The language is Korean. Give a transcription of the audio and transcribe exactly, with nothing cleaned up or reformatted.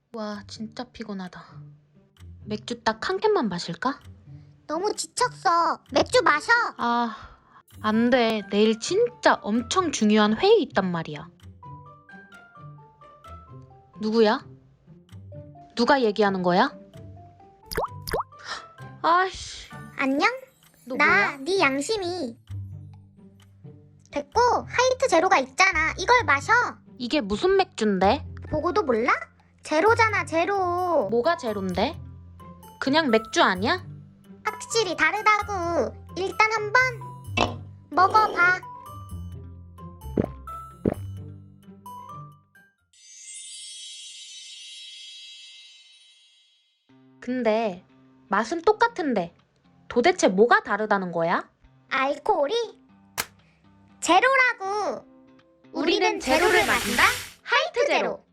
와, 진짜 피곤하다. 맥주 딱 한 캔만 마실까? 너무 지쳤어. 맥주 마셔. 아, 안 돼. 내일 진짜 엄청 중요한 회의 있단 말이야. 누구야? 누가 얘기하는 거야? 아이씨, 안녕? 너 나 뭐야? 네 양심이. 됐고, 하이트 제로가 있잖아. 이걸 마셔. 이게 무슨 맥주인데? 보고도 몰라? 제로잖아, 제로. 뭐가 제로인데? 그냥 맥주 아니야? 확실히 다르다고. 일단 한번 먹어봐. 근데 맛은 똑같은데 도대체 뭐가 다르다는 거야? 알코올이 제로라고. 우리는 제로를 마신다. 하이트 제로.